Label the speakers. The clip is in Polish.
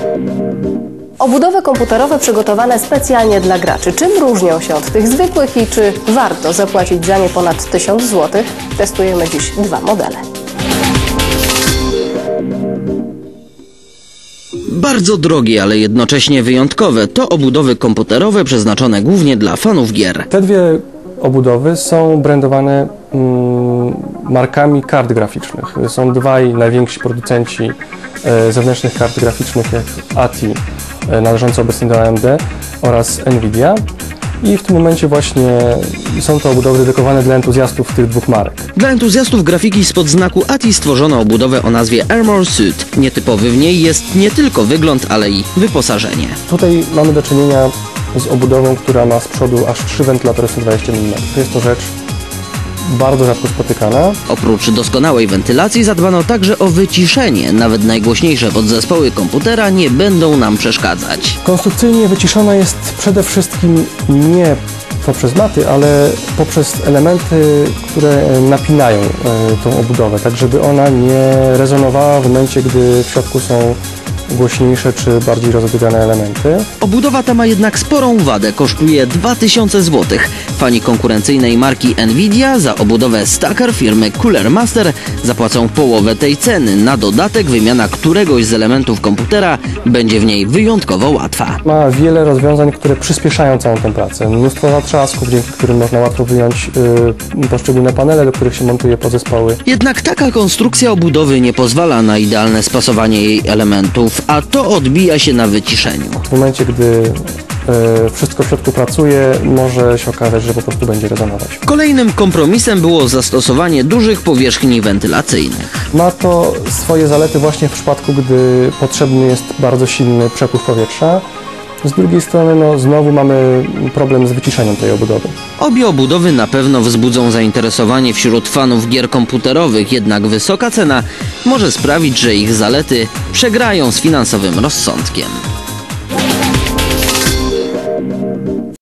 Speaker 1: Obudowy komputerowe przygotowane specjalnie dla graczy. Czym różnią się od tych zwykłych i czy warto zapłacić za nie ponad 1000 zł? Testujemy dziś 2 modele.
Speaker 2: Bardzo drogie, ale jednocześnie wyjątkowe to obudowy komputerowe przeznaczone głównie dla fanów gier.
Speaker 3: Te dwie obudowy są brandowane markami kart graficznych. Są dwaj najwięksi producenci zewnętrznych kart graficznych, jak ATI, należące obecnie do AMD, oraz Nvidia. I w tym momencie właśnie są to obudowy dedykowane dla entuzjastów tych dwóch marek.
Speaker 2: Dla entuzjastów grafiki spod znaku ATI stworzono obudowę o nazwie Armor Suit. Nietypowy w niej jest nie tylko wygląd, ale i wyposażenie.
Speaker 3: Tutaj mamy do czynienia z obudową, która ma z przodu aż 3 wentylatory 120 mm. Jest to rzecz bardzo rzadko spotykana.
Speaker 2: Oprócz doskonałej wentylacji zadbano także o wyciszenie. Nawet najgłośniejsze podzespoły komputera nie będą nam przeszkadzać.
Speaker 3: Konstrukcyjnie wyciszona jest przede wszystkim nie poprzez maty, ale poprzez elementy, które napinają tą obudowę, tak żeby ona nie rezonowała w momencie, gdy w środku są głośniejsze czy bardziej rozodgane elementy.
Speaker 2: Obudowa ta ma jednak sporą wadę, kosztuje 2000 zł. Fani konkurencyjnej marki Nvidia za obudowę Stacker firmy Cooler Master zapłacą połowę tej ceny. Na dodatek wymiana któregoś z elementów komputera będzie w niej wyjątkowo łatwa.
Speaker 3: Ma wiele rozwiązań, które przyspieszają całą tę pracę. Mnóstwo zatrzasków, dzięki którym można łatwo wyjąć poszczególne panele, do których się montuje podzespoły.
Speaker 2: Jednak taka konstrukcja obudowy nie pozwala na idealne spasowanie jej elementów, a to odbija się na wyciszeniu.
Speaker 3: W momencie, gdy wszystko w środku pracuje, może się okazać, że po prostu będzie rezonować.
Speaker 2: Kolejnym kompromisem było zastosowanie dużych powierzchni wentylacyjnych.
Speaker 3: Ma to swoje zalety właśnie w przypadku, gdy potrzebny jest bardzo silny przepływ powietrza. Z drugiej strony znowu mamy problem z wyciszeniem tej obudowy.
Speaker 2: Obie obudowy na pewno wzbudzą zainteresowanie wśród fanów gier komputerowych, jednak wysoka cena może sprawić, że ich zalety przegrają z finansowym rozsądkiem.